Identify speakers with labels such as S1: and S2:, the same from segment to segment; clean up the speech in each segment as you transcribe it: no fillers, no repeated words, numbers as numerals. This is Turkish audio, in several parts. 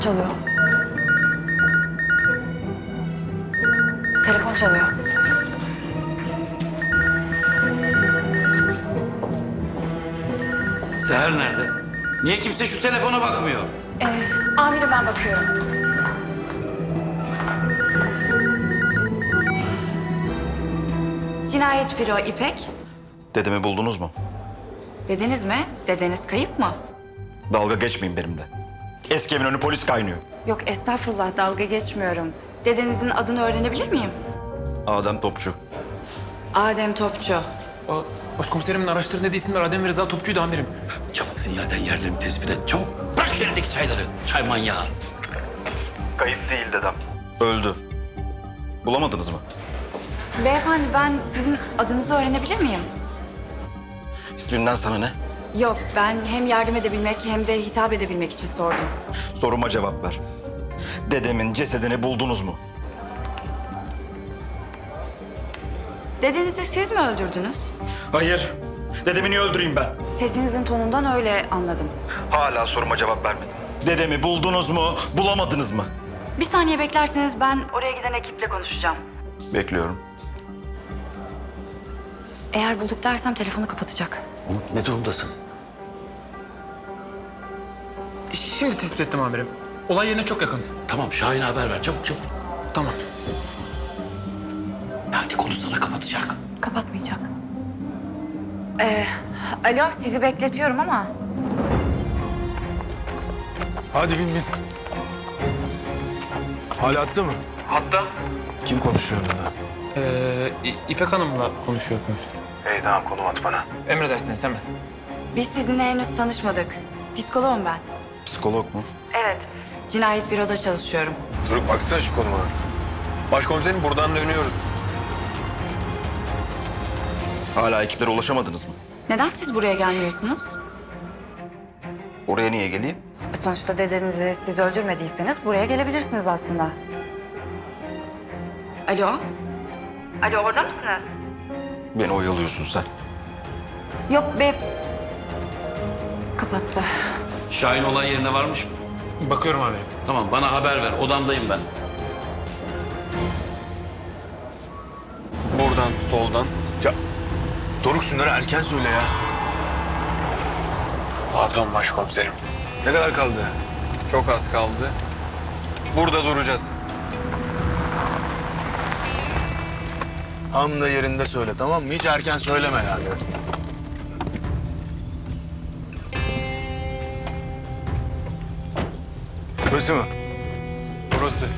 S1: çalıyor. Telefon çalıyor.
S2: Seher nerede? Niye kimse şu telefona bakmıyor?
S1: Amirim ben bakıyorum. Cinayet büro İpek.
S3: Dedemi buldunuz mu?
S1: Dediniz mi? Dedeniz kayıp mı?
S3: Dalga geçmeyin benimle. Eski evin önü polis kaynıyor.
S1: Yok estağfurullah dalga geçmiyorum. Dedenizin adını öğrenebilir miyim?
S3: Adem Topçu.
S1: Adem Topçu.
S4: Başkomiserimin araştırdığı isimler Adem ve Rıza Topçu'ydu amirim.
S2: Çabuk sinyalden yerlerini tespit et. Çabuk. Bırak şu elindeki çayları. Çay manyağı.
S3: Kayıp değil dedem. Öldü. Bulamadınız mı?
S1: Beyefendi ben sizin adınızı öğrenebilir miyim?
S3: İsminden sana ne?
S1: Yok ben hem yardım edebilmek hem de hitap edebilmek için sordum.
S3: Soruma cevap ver. Dedemin cesedini buldunuz mu?
S1: Dedenizi siz mi öldürdünüz?
S3: Hayır. Dedemi niye öldüreyim ben?
S1: Sesinizin tonundan öyle anladım.
S3: Hala soruma cevap vermedin. Dedemi buldunuz mu, bulamadınız mı?
S1: Bir saniye beklerseniz ben oraya giden ekiple konuşacağım.
S3: Bekliyorum.
S1: Eğer bulduk dersem telefonu kapatacak.
S2: Umut ne durumdasın?
S4: Şimdi tespit ettim amirim. Olay yerine çok yakın.
S2: Tamam Şahin'e haber ver. Çabuk çabuk.
S4: Tamam.
S2: Hadi konuşsana kapatacak.
S1: Kapatmayacak. Alo sizi bekletiyorum ama
S5: Hadi bin bin. Hala attı mı?
S4: Hatta
S5: Kim konuşuyor onunla?
S4: İpek Hanım'la konuşuyor komiserim.
S5: İyi tamam konum at bana.
S4: Emredersiniz hemen.
S1: biz sizinle henüz tanışmadık. Psikoloğum ben.
S3: Psikolog mu?
S1: Evet. Cinayet büroda çalışıyorum.
S5: Dur baksana şu konuma. Başkomiserim buradan dönüyoruz.
S3: Hala ekiplere ulaşamadınız mı?
S1: Neden siz buraya gelmiyorsunuz?
S3: Oraya niye geleyim?
S1: Sonuçta dedenizi siz öldürmediyseniz buraya gelebilirsiniz aslında. Alo? Alo orada mısınız?
S3: Beni oyalıyorsun sen.
S1: Yok be. Kapattı.
S2: Şahin olay yerine varmış mı?
S4: Bakıyorum amirim.
S2: Tamam bana haber ver. Odamdayım ben.
S5: Buradan soldan. Ya Doruk şunları erken söyle ya.
S4: Pardon başkomiserim.
S5: Ne kadar kaldı?
S6: Çok az kaldı. Burada duracağız.
S5: Tam da yerinde söyle tamam mı? Hiç erken söyleme yani. Burası mı?
S6: Burası.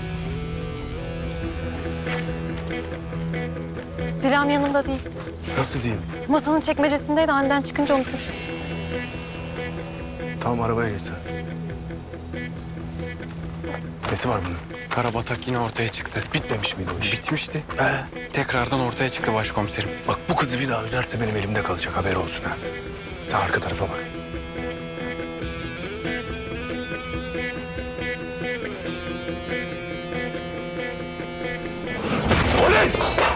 S7: Silahım yanımda değil.
S5: Nasıl diyeyim?
S7: Masanın çekmecesindeydi. Aniden çıkınca unutmuşum.
S5: Tamam arabaya geç sen. Nesi var bunun?
S6: Karabatak yine ortaya çıktı.
S5: Bitmemiş miydi o iş?
S6: Bitmişti. Tekrardan ortaya çıktı başkomiserim.
S5: Bak bu kızı bir daha üzerse benim elimde kalacak haber olsun ha. Sen arka tarafa bak. Polis!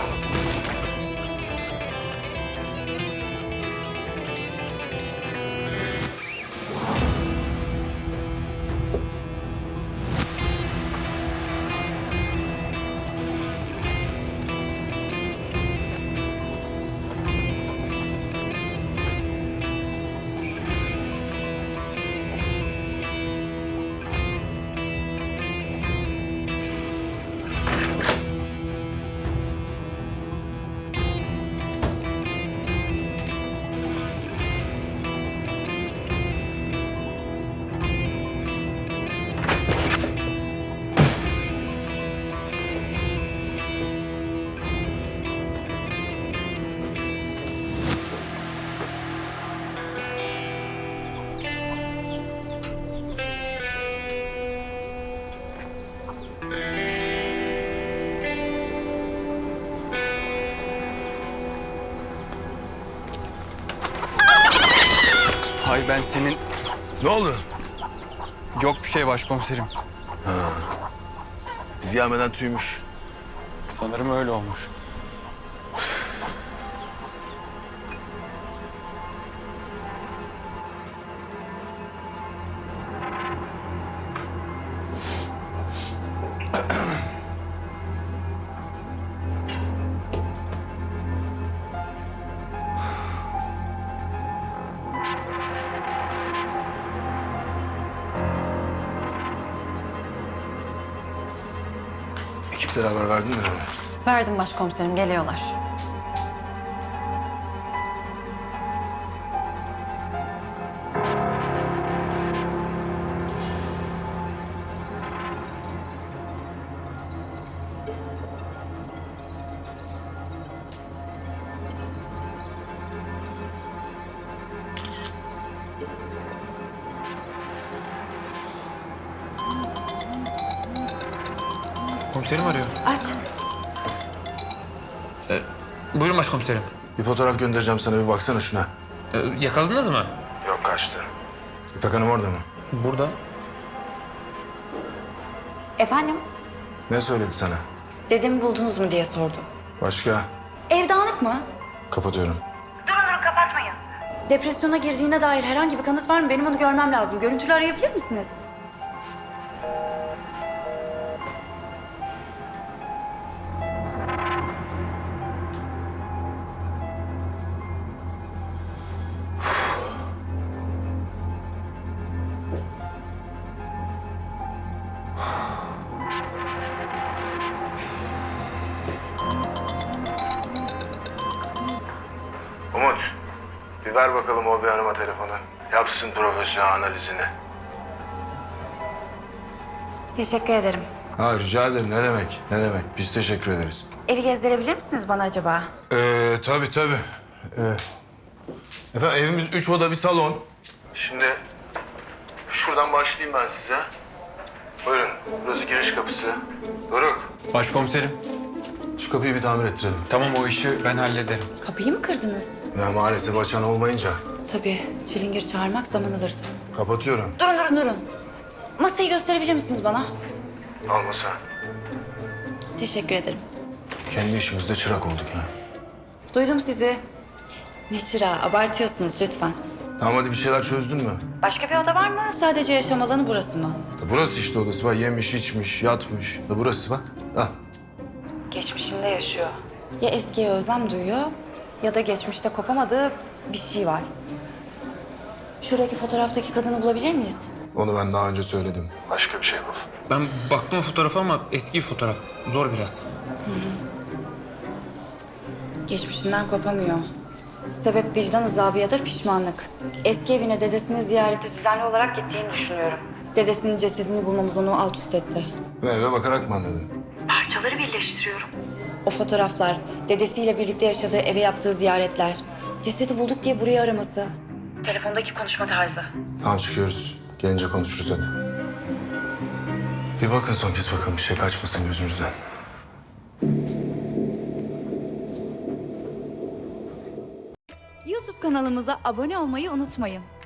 S6: Hay ben senin...
S5: Ne oldu?
S6: Yok bir şey başkomiserim.
S5: Biz gelmeden tüymüş.
S6: Sanırım öyle olmuş.
S5: Ekiplere haber verdin mi?
S7: Verdim başkomiserim, geliyorlar.
S4: Komiserim arıyor.
S1: Aç.
S4: Buyurun başkomiserim.
S5: Bir fotoğraf göndereceğim sana, bir baksana şuna.
S4: Yakaladınız mı?
S5: Yok, kaçtı. İpek Hanım orada mı?
S4: Burada.
S1: Efendim?
S5: Ne söyledi sana?
S1: Dedemi buldunuz mu diye sordu.
S5: Başka?
S1: Ev dağınık mı?
S5: Kapatıyorum.
S1: Depresyona girdiğine dair herhangi bir kanıt var mı? Benim onu görmem lazım. Görüntülü arayabilir misiniz?
S5: Umut, bir ver bakalım o bir hanıma telefonu. Yapsın profesyonel analizini.
S1: Teşekkür ederim.
S5: Ha, rica ederim. Ne demek? Ne demek? Biz teşekkür ederiz.
S1: Evi gezdirebilir misiniz bana acaba?
S5: Tabii. Efendim, evimiz 3 oda bir salon. Şimdi şuradan başlayayım ben size. Buyurun, burası giriş kapısı. Doruk,
S6: Başkomiserim.
S5: şu kapıyı bir tamir ettirelim.
S6: Tamam, o işi ben hallederim.
S1: Kapıyı mı kırdınız?
S5: Ya maalesef açan olmayınca
S1: Tabii. Çilingir çağırmak zaman alırdı.
S5: kapatıyorum.
S1: Durun. Masayı gösterebilir misiniz bana?
S5: Almasa.
S1: Teşekkür ederim.
S5: Kendi işimizde çırak olduk ya.
S1: Duydum sizi. Ne çırağı, abartıyorsunuz lütfen.
S5: Tamam, hadi bir şeyler çözdün mü?
S1: Başka bir oda var mı? Sadece yaşam alanı burası mı?
S5: Burası işte odası var. Yemiş, içmiş, yatmış. Burası bak. Al.
S1: Geçmişinde yaşıyor. Ya eskiye özlem duyuyor ya da geçmişte kopamadığı bir şey var. Şuradaki fotoğraftaki kadını bulabilir miyiz?
S5: Onu ben daha önce söyledim. Başka bir şey bul.
S4: Ben baktım o fotoğrafa ama eski bir fotoğraf. Zor biraz.
S1: Geçmişinden kopamıyor. Sebep vicdan azabı ya da pişmanlık. Eski evine dedesini ziyarete düzenli olarak gittiğini düşünüyorum. Dedesinin cesedini bulmamız onu alt üst etti.
S5: Eve bakarak mı anladın?
S1: Parçaları birleştiriyorum. O fotoğraflar, dedesiyle birlikte yaşadığı eve yaptığı ziyaretler, cesedi bulduk diye burayı araması. Telefondaki konuşma tarzı.
S5: Tamam, çıkıyoruz. Gelince konuşuruz hadi. Bir bakın son kez bakalım, bir şey kaçmasın gözümüzden.
S8: YouTube kanalımıza abone olmayı unutmayın.